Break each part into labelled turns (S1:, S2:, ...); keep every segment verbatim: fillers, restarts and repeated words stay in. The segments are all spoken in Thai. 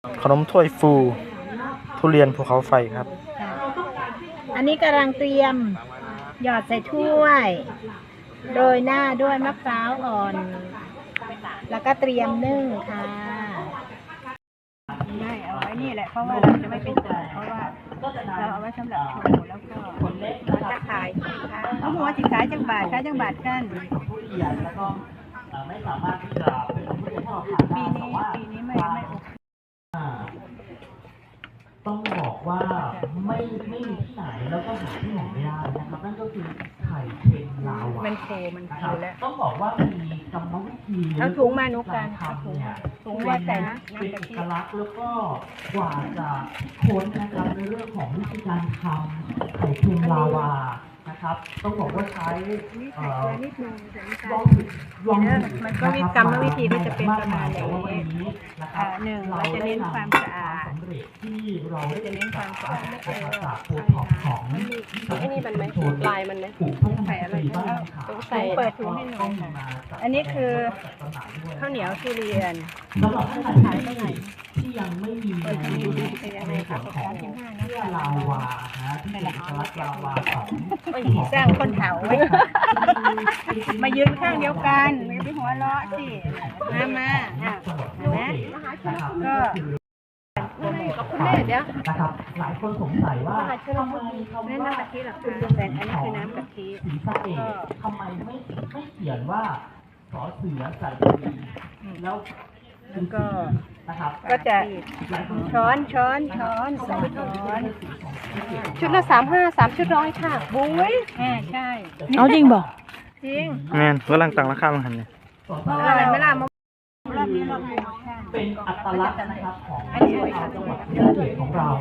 S1: ขนมถ้วยฟูทุเรียนภูเขาไฟครับ
S2: อันนี้กำลังเตรียมหยอดใส่ถ้วยโรยหน้าด้วยมะพร้าวอ่อนแล้วก็เตรียมนึ่งค่ะไม่เอาไว้นี่แหละเพราะว่าเราจะไม่เป็นตัวเพราะว่าเราเอาไว้สำหรับโชว์แล้วก็เราจะขายค่ะเขาบอกว่าสิขายจังบาทขายจังบาทกัน
S3: ไม่สามารถที่จะเป็นผู้เล่นที่เราผ่านได้แต่ว่าปีนี้ไม่ไม่ต้องบอกว่าไม่ไม่มีที่ไหนแล้วก็หาที่ไหนไม่ได้นะครับนั่นก็คือไข่เค็มลาวา
S2: มันโคมันโคแล้ว
S3: ต้องบอกว่ามีกรรมวิธี
S2: เอาถุงมานุกันเอาถุงถุงว่าแต่นะ
S3: เป็นเอกลักษณ์แล้วก็กว่าจะค้นนะครับในเรื่องของวิธีการทำไข่เค็มลาวานะครับต้องบอกว่าใช้ลองผิดลองถูก
S2: มันก็มีกรรมวิธีที่จะเป็นประมาณอย่างนี้หนึ่งเราจะเน้นความสะอาด
S3: ที่เรา
S2: จะเน้นความสะอาด
S3: จากโพท็อปของ
S4: ไอ้นี่มันไหมลายมันไหม
S2: ใส่อะไรต้องใส่เปิดถุงให้หน่อยค่ะอันนี้คือข้าวเหนียวทุเรียน
S3: สำหรับท่านขายเท่าไหร่ที่ยังไม่มีในส่วนของเพื่อลาวานะที่เป็นเอกลักษณ์ลาวาของ
S2: สร้างคนเถาไว้มายืนข้างเดียวกันไม่ไปหัวเราะสิมามาอ่ะนะก็
S4: ขอบคุณแม่เดี๋ยว
S3: นะครับหลายคนสงสัยว่าทำไม
S2: เขาไม่น้ำกะทิหรอคะแต่อันนี้คือน้ำกะทิ
S3: สีสะเอดทำไมไม่ไม่เขียนว่าสอเสือใส่แล้ว
S2: แล้วก็
S3: นะครับ
S2: ก็จะช้อนช้อนช้อนใส่ช้อน
S4: ชุดละสามห้าสามชุดร้อยค่ะ
S2: บุ้ยอ่าใช่
S4: เอาจริงบอก
S2: จริง
S1: แม่นกำลังตั้งราคามันหันเนี่ย
S2: อะไรไม่ล่ะมรอบนี้
S3: เราเป็นอัตลักษณ์นะครับของจังหวัดภูเก็ตของเรา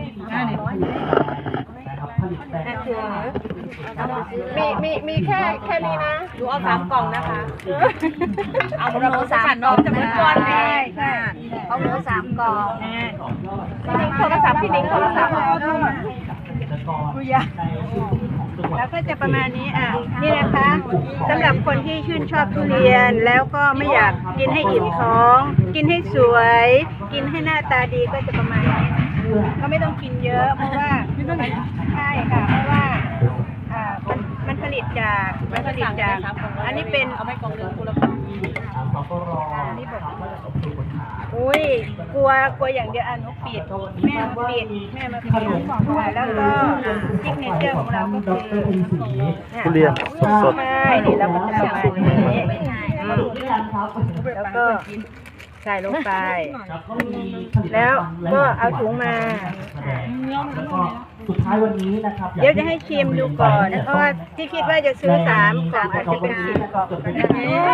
S3: นะครับที่นะครับผลิตแต่
S4: มีมีมีแค่แค่นี้นะดูเอาสามกล่องนะคะเอาหนูสามกล่องจะเป็นก้อน
S2: ใช่ใช่
S4: เอาหนูสามกล่องพี่นิ้งโทรศัพท์พี่นิ้งโทรศัพท์
S2: คุยแล้วก็จะประมาณนี้อ่ะนี่นะคะสำหรับคนที่ชื่นชอบทุเรียนแล้วก็ไม่อยากกินให้อิ่มท้อง กินให้สวยกินให้หน้าตาดีก็จะประมาณนี้ก็ไม่ต้องกินเยอะเพราะว่าใช่ค่ะเพราะว่าอ่ามันมันผลิตจากมันผลิตจากอันนี้เป็น
S4: เอาไม่กล่องนึงคุณละกล่อง
S2: นี่บอกอุ้ยกลัวกลัวอย่างเดียวอ่ะนุปิดแม่มาปิดแม่มาปิดแล้วก็ซิกเนเจอร์ของเราก็คือ
S1: ทุเรียนสดๆ
S2: ไม่นี่เราก็จะประมาณนี้แล้วก็ใส่ลงไปแล้วก็เอาถุงมา
S3: สุดท้ายวันนี้นะครับ
S2: เดี๋ยวจะให้ชิมดูก่อนเพราะว่าที่คิดว่าจะซื้อสามกล่องอาจจะเป็นสิบกล่องก็ได้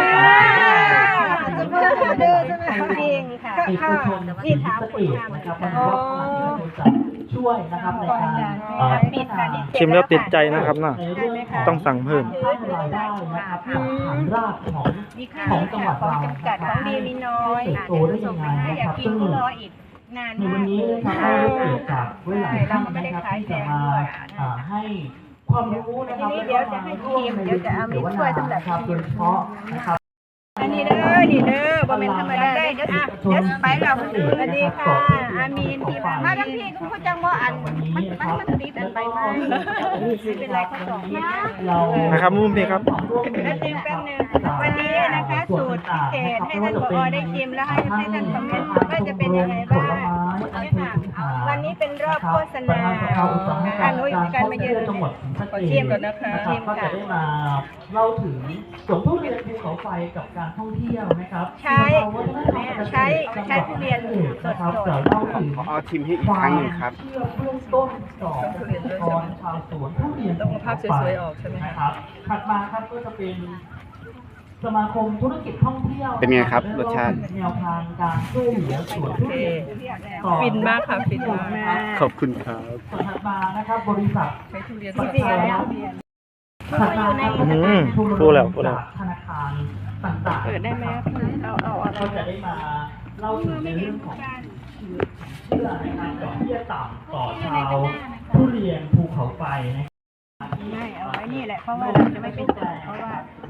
S2: จะเพิ่มออเดอร์ใช่ไหมจริงค่ะที่ถามคุณทำนะครับ
S3: ช่วยนะครับในการ
S2: ปิดการ
S1: ชิมแล้วติดใจนะครับน่ะต้องสั่งเพิ่ม
S3: รายได้นะครับจากฐานรากของของจังหวัดเรา
S2: จำกัดของดีมีน้อย
S3: โตได้ยังไง
S2: ถ้าอยากกินก็รออีกนานมาก
S3: วันนี้นะครับได้เกิดจากเวลาท่านนะครับที่จะมาให้ความรู้นะครับ
S2: เดี๋ยวจะให้ชิมเดี๋ยวจะเอามีถ้วยสำหรับชิม
S3: โดยเฉพาะนะครับ
S2: อันนี้เด้อนี่เด้อบะเม็นธรรมดาได้เดี๋ยวอ่ะเดี๋ยวไปเราสวัสดีค่ะอามีนที่มาทั้งพี่คุณผู้จังว่าอันมันมันมันติดอันไปไหมเป็นไรเขาสอง
S1: นะครับมุมพี่ครับ
S2: แล้วชิมแป๊บนึงวันนี้นะคะสูตรพิเศษให้ท่านผอได้ชิมแล้วให้ให้ท่านคอมเมนต์ว่าจะเป็นยังไงบ้างวันนี้เป็นรอบโฆษณาการนุ้ยการมาเยือนขอชิมก่อนนะคะชิม
S3: ก็จะได้มาเล่าถึงสวนทุเรียนภูเขาไฟกับการท่องเที่ยวนะครับ
S2: ใช้ใช้ใช้ทุเรียนสด
S3: ๆเราเล่าถึง
S1: เอาชิมให้อีกครั้งหนึ่งครับ
S3: เชื่อเบื้องต้นของเกษตรกรชาวสวนทุเรียน
S4: ต้องภาพสวยๆออกใช่ไหม
S3: ครับถัดมาครับก็จะเป็นสมาคมธุรกิจท่องเที่ยว
S1: เป็นไงครับรสชาติ
S3: แนวทางการช่วยเหลือสวนทุเรียน
S4: ฟินมากค่ะฟินมาก
S1: ขอบคุณครับ
S3: ถัดมานะครับบริษัท
S4: ใช้ทุเรียน
S2: สดแล้ว
S3: ถัดมา
S1: พูดแล้วพูดแล้ว
S3: ธนาคารต่างๆ
S4: เปิดได้ไหมเอาเอาเอา
S3: ก็จะได้มาเล่าถึงในเรื่องของเชื่อในการดอกเบี้ยต่ำต่อชาวทุเรียนภูเขาไฟนะครับ
S2: ไม่เอาไว้นี่แหละเพราะว่าเราจะไม่เป็นตัวเพราะว่า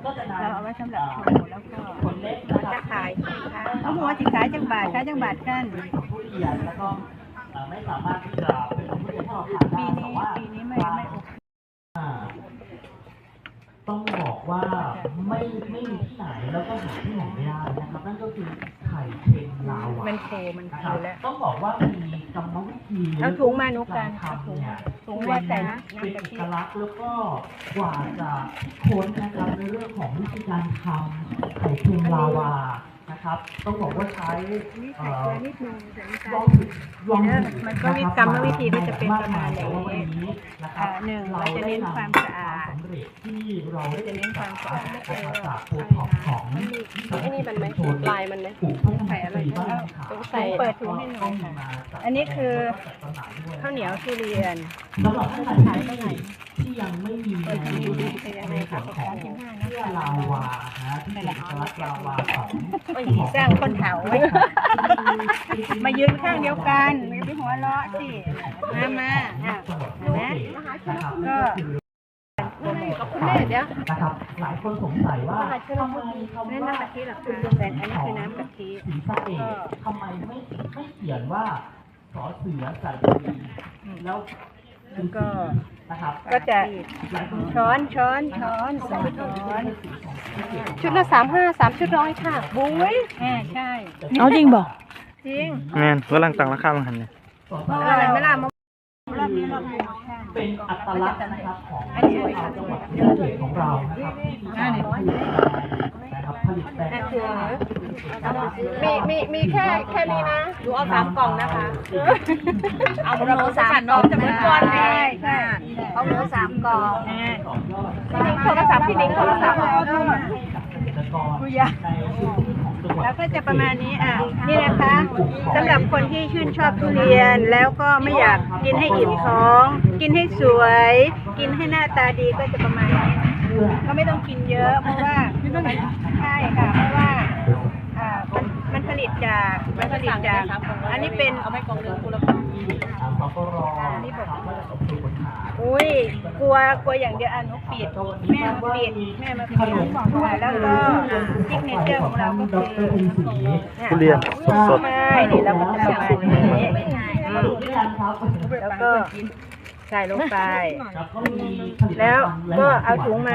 S3: ก็จะนำ
S2: เราเอาไว้สำหรับโชว์แล้วก็
S3: ผลเล็ก
S2: เราจะขายค่ะเขาบอกว่าสิขายจังบาทขายจังบาทกัน
S3: ผู้เรียนแล้วก็เอ่อไม่สามารถที่จะเป็นผู้เรียนที่เราผ่านได้
S2: ปี
S3: แต่
S2: นี้
S3: ว่า
S2: ปีนี้ไม่ไม่โอเค
S3: อ่าต้องบอกว่าไม่ไม่มีที่ไหนแล้วก็หาที่ไหนไม่ได้นะครับนั่นก็คือไข่เค็มลาวา
S2: มันโคมัน
S3: นะ
S2: โค
S3: ครับ
S2: แล้ว
S3: ต้องบอกว่ามีกรรมวิธี
S2: เอาถุงมานุกกัน
S3: ทำเนี่ย
S2: ถุงว่าใส่น้ำ
S3: เป็น
S2: กะ
S3: เอ
S2: ทิ
S3: กลักษณ์แล้วก็กว่าจะค้นนะครับในเรื่องของวิธีการทำไข่เค็มลาวานะครับ ต้องบอกว่าใช้
S2: นี่
S3: เอ่
S2: ใส่
S3: อ
S2: เกลือนิดนึงใส่น้ำ
S3: ล
S2: ตา
S3: อ
S2: ล
S3: งผิดลองผิด
S2: มันก็มีกรรมวิธีก็จะเป็นประมาณอย่างนี้
S3: นี้นะครับ
S2: อ่าหนึ่งเราจะเน้นความสะอาด
S3: สำเร็จที่เราได้
S2: จะเน้นความสะอาด
S3: นะครับจากโพท็อปของ
S4: ไอ้นี่มันไหมลายมันไหม
S3: กลุ่มพัฒนาสีบ้านขาว
S4: ต้องใส่
S2: เปิดถุงให้หน่อยค่ะ อันนี้คือข้าวเหนียวทุเรียน
S3: สำหรับท่านใดที่ที่ยังไม่มีในในส่วนของเสื้อลาวานะที่เป็นเอกลักษณ์ลาวาของ
S2: โอ้ยสร้างคนเขาไว้ก่อนมายืนข้างเดียวกันไม่ไปหัวเราะสิมามาอ่ะนะก็
S4: กับคุณแม่เดี๋ยว
S3: นะครับหลายคนสงสัยว่าทำไมคำ
S2: นี่
S3: ว่า
S2: น้ำกะทิหรอคะแต่อันนี้คือน้ำกะทิ
S3: สีสะเอดทำไมไม่ไม่เขียนว่าสอเสือใส่ดีแล้ว
S2: แล้วก็
S3: นะครับ
S2: ก็จะช้อนช้อนช้อนใส่ช้อน
S4: ชุดละสามห้าสามชุดร้อยค่ะ
S2: บุ้ยอ่าใช่
S1: เอาจริงบอก
S2: จริง
S1: แม่นกำลังตั้งราคามันหันเนี่ย
S2: อร่อยไหมล่ะมะรอบนี้รอบนี้
S3: เป็นอัตลักษณ์นะครับของชาวจังหวัดศรีสะเกษของเรานะครับที่มีการนะครับผลิตแต่ง
S4: มีมีมีแค่แค่นี้นะหนูเอาสามกล่องนะคะ เอาหนูสามกล่องจะเหมือนก้อน
S2: ใช่
S4: เลย
S2: ใช่
S4: เอาหนูสามกล่อง
S2: อ่า
S4: พี่นิ้งโทรศัพท์พี่นิ้งโทรศัพท์
S2: คุยาแล้วก็จะประมาณนี้อ่ะนี่นะคะสำหรับคนที่ชื่นชอบทุเรียนแล้วก็ไม่อยากกินให้อิ่มท้อง กินให้สวย กินให้หน้าตาดีก็จะประมาณนี้ก็ไม่ต้องกินเยอะเพราะว่าใช่ค่ะเพราะว่าอ่ามันมันผลิตจากมันผลิตจากอันนี้เป็น
S4: เอาไปกล่องหนึ่งคุณละกล่อง
S2: อันนี้บอกอุ้ยกลัวกลัวอย่างเดียวอ่ะหนูปิดแม่มาปิดแม่มาปิดแล้วก็ซิกเนเจอร์ของเราก็คือ
S1: ทุเรียนสด
S2: ไม่นี่เราก็จะประมาณนี้แล้วก็ใส่ลงไป แล้วก็เอาถุงมา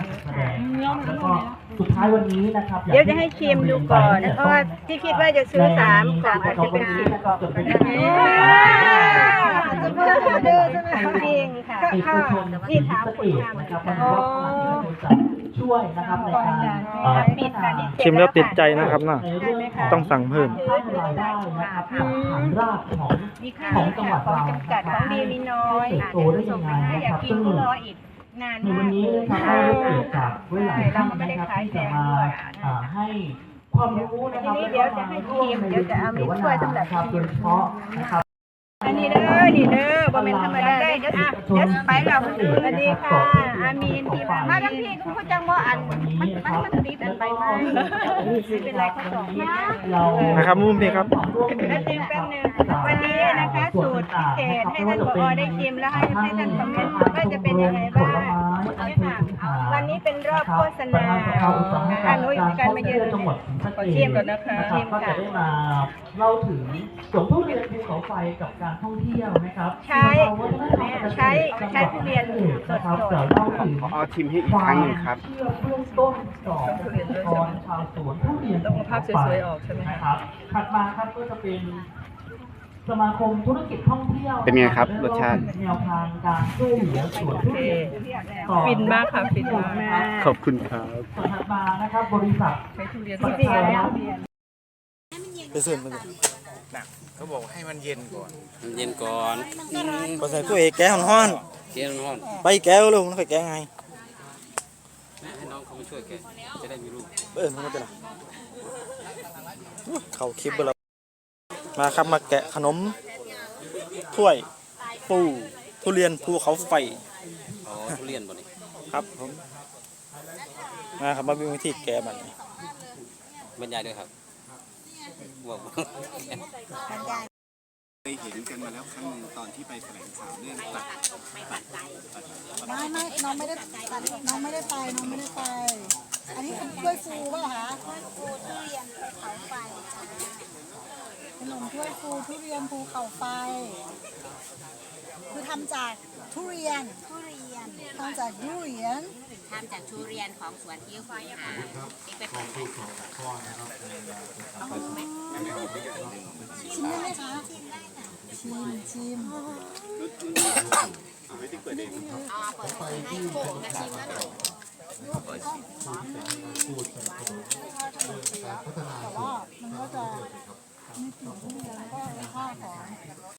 S3: สุดท้ายวันนี้นะครับ
S2: เดี๋ยวจะให้ชิมดูก่อนเพราะว่าที่คิดว่าจะซื้อสามกล่องอาจจะเป็นสิบกล่องก็ได้จะเพิ่มออเดอร์ใช่ไหมจริงค่ะ
S3: เอกชน
S2: นี่
S3: ที่
S2: ถาม
S3: สะ
S2: คุ
S3: เก
S2: ณ
S3: ษ
S2: ทำ
S3: นะครับมันก็จะช่วยนะครับในการเอ่อ
S2: ปิดค่ะ
S1: ชิมแล้วติดใจนะครับเนาะ
S3: ในเรื่องของ
S1: ต้องสั่งเพิ่ม
S3: สร้างรายได้นะครับจากฐานรากของ
S2: นี่ค่ะ
S3: ของจังหวัด
S2: ของ
S3: เรา
S2: จำกัดของดีมีน้อย
S3: เติบโตได้ยังไง
S2: ถ้า
S3: นะ
S2: อยา
S3: ค
S2: ก
S3: รับ
S2: กิน
S3: ซึ่ง
S2: ก็รออีกนาน
S3: ใน
S2: มา
S3: วัน
S2: ก
S3: นี้นะครับได้เกิดจากเวลาที่นะครับที่จะมาอ่าให้ความรู้นะครับ
S2: ทีนี้เดี๋ยวจะให้ชิมเดี๋ยวจะเอามีถ้วยสำหรับ
S3: ครับโดยเฉพาะนะครับ
S2: อันนี้เด้อนี่เด้อบ่แม่นธรรมดาเด้อเดี๋ยวอ่ะเดี๋ยวไปเราสวัสดีค่ะอามีนพี่มาทั้งพี่คุณผู้จังบ่อันมันมันมันติดอันไปไหมไม่เป็นไรเขาสองนะ
S3: เรา
S1: นะครับมุมพี่ครับ
S2: แล้วชิมแป๊บนึงวันนี้นะคะสูตรพิเศษให้ท่านผอได้ชิมแล้วให้ให้ท่านคอมเมนต์ว่าจะเป็นยังไงบ้างวันนี้เป็นรอบโฆษณาอานุยการมาเยือน
S3: จังหวัดศรีสะเกษ
S2: ชิมก่อนนะคะ
S3: รับก็จะได้มาเล่าถึงสวนทุเรียนภูเขาไฟกับการท่องเที่ยวนะครับ
S2: ใช้ใช้ใช้ทุเรียนสด
S3: นะครับ
S2: ๆ
S3: เดี๋ยวเล่าถึง
S5: ขอเอาชิมให้อีกครั้งหนึ่งครับ
S3: เชื่อเบื้องต้นของเกษตรกรชาวสวนทุเรียนต้องภาพสวยๆออกใช่ไหมครับถัดมาครับก็จะเป็นสมาคมธุรกิจท่องเที่ยว
S5: เป็นไงครับรสชาติ
S3: แนวทางการช่วยเหลือสวนทุเรียนต่อ
S6: ฟินมากค่ะฟินมาก
S5: ขอบคุณครับ
S3: ส่วนถัดมานะครับบริษัท
S6: ใช้ทุเรียน
S3: ป
S6: ส
S3: ระ
S6: ด
S3: เทศแล้ว
S1: ไปซื้อมาเลย
S5: เขาบอกให้มันเย็นก่อน
S7: เย็นก่อน
S1: พอใส่ถ้วยแก้วห้อน
S7: เย็นร้อน
S1: ๆไปแก้วเลยมันค่อยแก้ไง
S7: แม่ให้น้องเขามาช่วยแก จะได้มีลูก
S1: เออมันก็จะละเขาคลิปไปแล้วมาครับมาแกะขนมถ้วยปูทุเรียนภูเขาไฟ
S7: อ๋อ ทุเรียนบ่นี่
S1: ครับผมมาครับมาดูวิธีแกะมัน
S7: บรรยายด้วยครับบอก
S5: เคยเห็นกันมาแล้วครั้งหนึ่งตอนที่ไปแถลงข่าวเรื่องตัด
S8: ไม่ไม่น้องไม่ได้น้องไม่ได้ไปน้องไม่ได้ไป
S6: อันนี้เป็นกล้วยฟูป่ะคะ
S2: ฟูทุเรียนภูเขาไฟจ้า
S6: ขนมถ้วยฟูทุเรียนภูเขาไฟ คือทำจากทุเรียน
S2: ทุเรียน
S6: ทำจากทุเรียน
S2: ทำจากทุเรียนของสวนที่ควายหาที่ไปปลูก
S6: ชิมได้ไหมคะชิมชิม
S2: อ๋อเปิดให้โขกกระชิมแล้วหน่อย
S6: แต่ว่ามันก็จะมีกลิ่นทุเรียนแล้วก็รสชาติของ